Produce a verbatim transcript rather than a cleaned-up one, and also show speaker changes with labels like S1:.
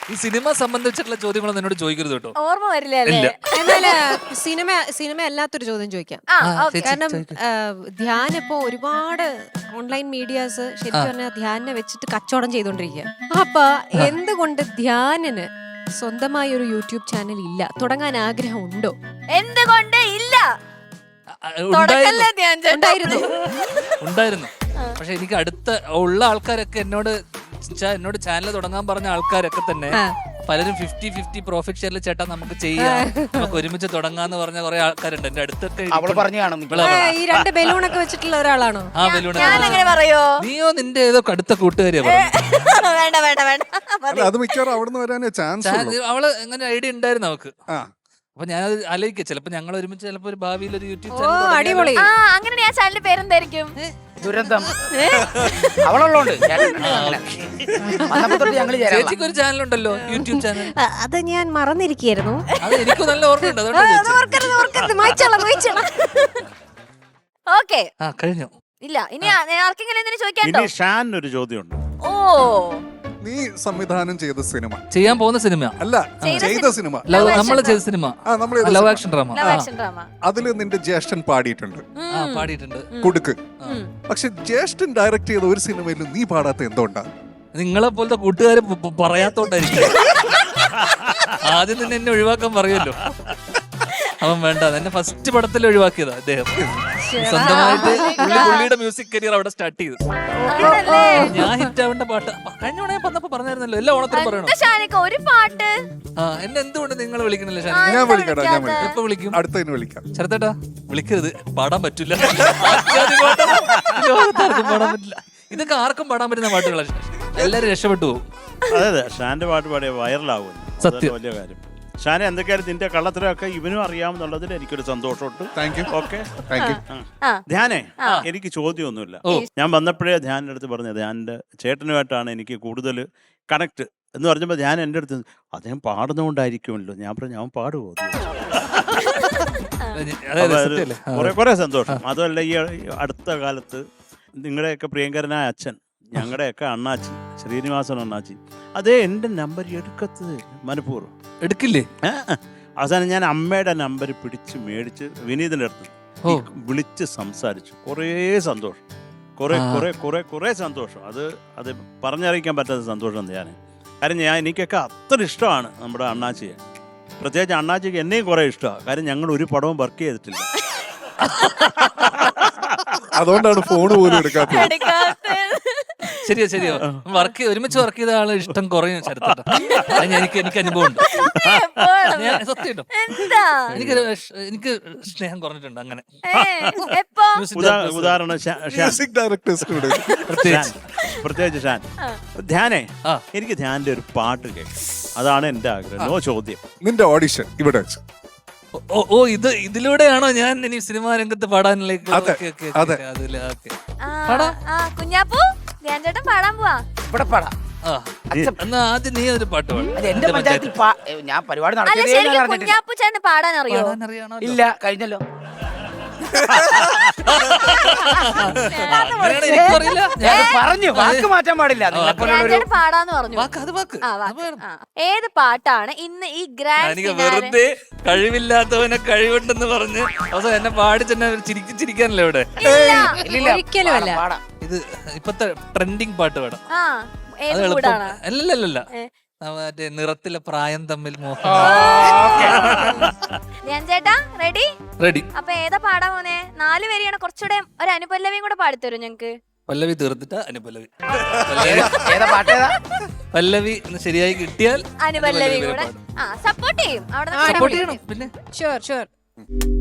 S1: ഈ സിനിമ സംബന്ധിച്ചിട്ടുള്ള ചോദ്യങ്ങളൊന്നും എന്നോട് ചോദിക്കരുത് കേട്ടോ.
S2: ഓർമ്മ വരില്ല.
S3: എന്നാല് സിനിമ സിനിമ അല്ലാത്തൊരു ചോദ്യം ചോദിക്കാം. കാരണം ധ്യാൻ ഇപ്പോ ഒരുപാട് ഓൺലൈൻ മീഡിയാസ് ശരിക്കും പറഞ്ഞാൽ ധ്യാനെ വെച്ചിട്ട് കച്ചവടം ചെയ്തോണ്ടിരിക്കുക. അപ്പൊ എന്തുകൊണ്ട് ധ്യാനിന് സ്വന്തമായി ഒരു യൂട്യൂബ് ചാനൽ ഇല്ല? തുടങ്ങാൻ ആഗ്രഹം ഉണ്ടോ?
S2: എന്തുകൊണ്ട് ഇല്ല?
S1: ഉണ്ടായിരുന്നു ഉണ്ടായിരുന്നു പക്ഷെ എനിക്ക് അടുത്ത ഉള്ള ആൾക്കാരൊക്കെ എന്നോട് എന്നോട് ചാനൽ തുടങ്ങാൻ പറഞ്ഞ ആൾക്കാരൊക്കെ തന്നെ പലരും ഫിഫ്റ്റി ഫിഫ്റ്റി പ്രോഫിറ്റ് ഷെയറിൽ ചേട്ടാ നമുക്ക് ചെയ്യാം, നമുക്ക് ഒരുമിച്ച് തുടങ്ങാന്ന് പറഞ്ഞ കുറെ ആൾക്കാരുണ്ട് എന്റെ അടുത്തൊക്കെ.
S3: ഈ രണ്ട് ബലൂണൊക്കെ വെച്ചിട്ടുള്ള ഒരാളാണോ?
S1: ആ ബലൂൺ
S2: പറയോ?
S1: നീയോ നിന്റെ ഏതോ അടുത്ത കൂട്ടുകാരിയാ
S2: വേണ്ട വേണ്ട വേണ്ട,
S4: അത് മിക്കവാറും അവിടുന്ന് വരാനേ ചാൻസ്.
S1: അവള് എങ്ങനെ ഐഡിയ ഉണ്ടായിരുന്നു അവക്ക്. അപ്പൊ ഞാനത് ആലോചിക്കാം, ചിലപ്പോ ഞങ്ങൾ ഒരുമിച്ച് ചിലപ്പോ ഒരു ഭാവിയിൽ ഒരു യൂട്യൂബ് ചാനൽ.
S3: അടിപൊളി.
S2: അങ്ങനെ ആ ചാനലിന്റെ പേരെന്തായിരിക്കും?
S5: ദുരന്തം. അവളുള്ളോണ്ട്
S1: ചേച്ചിക്ക് ഒരു ചാനൽ ഉണ്ടല്ലോ, യൂട്യൂബ് ചാനൽ.
S3: അത് ഞാൻ മറന്നിരിക്കുന്നു.
S1: അത് എനിക്ക് നല്ല ഓർമ്മയുണ്ട്.
S2: ഓക്കെ,
S1: കഴിഞ്ഞു.
S2: ഇല്ല ഇനി ആർക്കെങ്കിലും എന്തിനു ചോദിക്കാണ്ടോ?
S6: ഷാൻ ഒരു ചോദ്യമുണ്ട്.
S2: ഓ,
S4: നീ സംവിധാനം ചെയ്ത സിനിമ,
S1: ചെയ്യാൻ പോകുന്ന സിനിമ
S4: അല്ല ചെയ്ത സിനിമ,
S1: നമ്മള് ചെയ്ത സിനിമ, ലവ് ആക്ഷൻ ഡ്രാമ.
S4: അതില് നിന്റെ ജ്യേഷ്ഠൻ പാടിയിട്ടുണ്ട്,
S1: പാടിയിട്ടുണ്ട്
S4: കൊടുക്ക്. പക്ഷെ ജ്യേഷ്ഠൻ ഡയറക്ട് ചെയ്ത ഒരു സിനിമയിലും നീ പാടാത്ത എന്തുകൊണ്ടാ?
S1: നിങ്ങളെ പോലത്തെ കൂട്ടുകാര് പറയാത്തോണ്ടായിരിക്കും. ആദ്യം തന്നെ എന്നെ ഒഴിവാക്കാൻ പറയുമല്ലോ. അവൻ വേണ്ട, എന്നെ ഫസ്റ്റ് പടത്തിൽ ഒഴിവാക്കിയതാ അദ്ദേഹം. സ്വന്തമായിട്ട് പുള്ളിയുടെ മ്യൂസിക് കരിയർ അവിടെ സ്റ്റാർട്ട് ചെയ്തു. ഞാൻ ഹിറ്റ് ആവേണ്ട പാട്ട് കഴിഞ്ഞ ഓണേ വന്നപ്പോ പറഞ്ഞായിരുന്നല്ലോ, എല്ലാ ഓണത്തിനും പറയണം
S2: ഒരു പാട്ട്.
S1: ആ എന്നെ എന്തുകൊണ്ട് നിങ്ങൾ വിളിക്കണില്ല?
S4: ഞാൻ വിളിക്കടാ, ഞാൻ വിളിക്കാം.
S1: എപ്പോ വിളിക്കും?
S4: അടുത്തതിന് വിളിക്കാം.
S1: ചെറുത്തേട്ടാ വിളിക്കരുത്, പാടാൻ പറ്റില്ല. പാടാൻ പറ്റില്ല. ഇതൊക്കെ ആർക്കും പാടാൻ പറ്റുന്ന പാട്ടുകളാണ്. എല്ലാരും രക്ഷപ്പെട്ടു പോകും.
S6: അതെ അതെ, ഷാന്റെ പാട്ട് പാടിയ വൈറലാവും. സത്യം, വലിയ കാര്യം. ഷാനെ എന്തൊക്കെയാലും നിന്റെ കള്ളത്തരമൊക്കെ ഇവനും അറിയാമെന്നുള്ളതിൽ എനിക്കൊരു സന്തോഷമുണ്ട്. ഓക്കെ, ധ്യാനെ എനിക്ക് ചോദ്യമൊന്നുമില്ല. ഞാൻ വന്നപ്പോഴേ ധ്യാനിന്റെ അടുത്ത് പറഞ്ഞു, ധ്യാനിന്റെ ചേട്ടനുമായിട്ടാണ് എനിക്ക് കൂടുതൽ കണക്ട് എന്ന് പറഞ്ഞപ്പോൾ ധ്യാൻ എൻ്റെ അടുത്ത് അദ്ദേഹം പാടുന്നതുകൊണ്ടായിരിക്കുമല്ലോ. ഞാൻ പറഞ്ഞു ഞാൻ പാടുമോ? കുറെ കുറെ സന്തോഷം. അതുമല്ല ഈ അടുത്ത കാലത്ത് നിങ്ങളുടെയൊക്കെ പ്രിയങ്കരനായ അച്ഛൻ, ഞങ്ങളുടെയൊക്കെ അണ്ണാച്ചി ശ്രീനിവാസൻ അണ്ണാച്ചി, അതേ എൻ്റെ നമ്പർ എടുക്കത്തത് മനഃപൂർവ്വം
S1: എടുക്കില്ലേ.
S6: അവസാനം ഞാൻ അമ്മയുടെ നമ്പർ പിടിച്ച് മേടിച്ച് വിനീതിൻ്റെ അടുത്ത് വിളിച്ച് സംസാരിച്ചു. കുറേ സന്തോഷം, കുറെ കുറെ കുറെ കുറെ സന്തോഷം. അത് അത് പറഞ്ഞറിയിക്കാൻ പറ്റാത്ത സന്തോഷം ഞാൻ. കാര്യം ഞാൻ എനിക്കൊക്കെ അത്ര ഇഷ്ടമാണ് നമ്മുടെ അണ്ണാച്ചിയെ. പ്രത്യേകിച്ച് അണ്ണാച്ചിക്ക് എന്നെയും കുറെ ഇഷ്ടമാണ്. കാര്യം ഞങ്ങൾ ഒരു പടവും വർക്ക് ചെയ്തിട്ടില്ല.
S4: അതുകൊണ്ടാണ് ഫോൺ പോലും എടുക്കാത്തത്.
S1: ശരിയോ ശരിയോ, വർക്ക് ഒരുമിച്ച് വർക്ക് ചെയ്ത ആള് ഇഷ്ടം കുറയും ചരിത്രം. എനിക്ക് എനിക്ക് അനുഭവം ഉണ്ട്. സത്യം, എനിക്ക് എനിക്ക് സ്നേഹം കുറഞ്ഞിട്ടുണ്ട്. അങ്ങനെ
S6: ഉദാഹരണം പ്രത്യേകിച്ച് ഷാൻ. ധ്യാനേ, എനിക്ക് ധ്യാന്റെ ഒരു പാട്ട് കേൾക്കാം, അതാണ് എന്റെ ആഗ്രഹം. നോ ചോദ്യം.
S4: നിന്റെ ഓഡിഷൻ ഇവിടെ വെച്ച്.
S1: ഓ ഓ ഇത് ഇതിലൂടെയാണോ ഞാൻ ഇനി സിനിമാ രംഗത്ത് പാടാനിലേക്ക്?
S2: കുഞ്ഞാപ്പൂ, ധ്യാൻചേട്ടൻ പാടാൻ പോവാ.
S5: ഇവിടെ പാടാം.
S1: എന്നാ ആദ്യം നീ ഒരു പാട്ട് പാടും.
S5: എന്റെ പഞ്ചായത്തിൽ ഞാൻ പരിപാടി
S2: കുഞ്ഞാപ്പൂ ചേട്ടന് പാടാൻ അറിയോ?
S5: ഇല്ല, കഴിഞ്ഞല്ലോ. പറഞ്ഞു, വാക്ക് മാറ്റാൻ പാടില്ല.
S2: പാടാന്ന് പറഞ്ഞു. ഏത് പാട്ടാണ് ഇന്ന് ഈ ഗ്രാൻഡ്?
S1: വെറുതെ കഴിവില്ലാത്തവനെ കഴിവുണ്ടെന്ന് പറഞ്ഞ് അവസാനം എന്നെ പാടി തന്നെ ചിരിക്കി ചിരിക്കാനല്ലേ ഇവിടെ?
S3: ഒരിക്കലും അല്ല.
S1: ഇത് ഇപ്പത്തെ ട്രെൻഡിങ് പാട്ട് പാടാം. അല്ലല്ലല്ല, മറ്റേ നിറത്തിലെ പ്രായം തമ്മിൽ മോഹം.
S2: ചേട്ടാ റെഡി?
S1: റെഡി.
S2: അപ്പൊ ഏതാ പാടാൻ പോന്നെ? നാല് വരിയാണ്, കുറച്ചുകൂടെ ഒരു അനുപല്ലവിയും കൂടെ പാടിത്തരും ഞങ്ങക്ക്.
S1: പല്ലവി തീർത്തിട്ടാ അനുപല്ലവി.
S5: പല്ലവി
S1: ശരിയായി കിട്ടിയാൽ
S2: അനുപല്ലവി കൂടെ സപ്പോർട്ട് ചെയ്യും. അവിടെ
S1: സപ്പോർട്ട് ചെയ്യണം. പിന്നെ
S3: ഷുവർ ഷുവർ.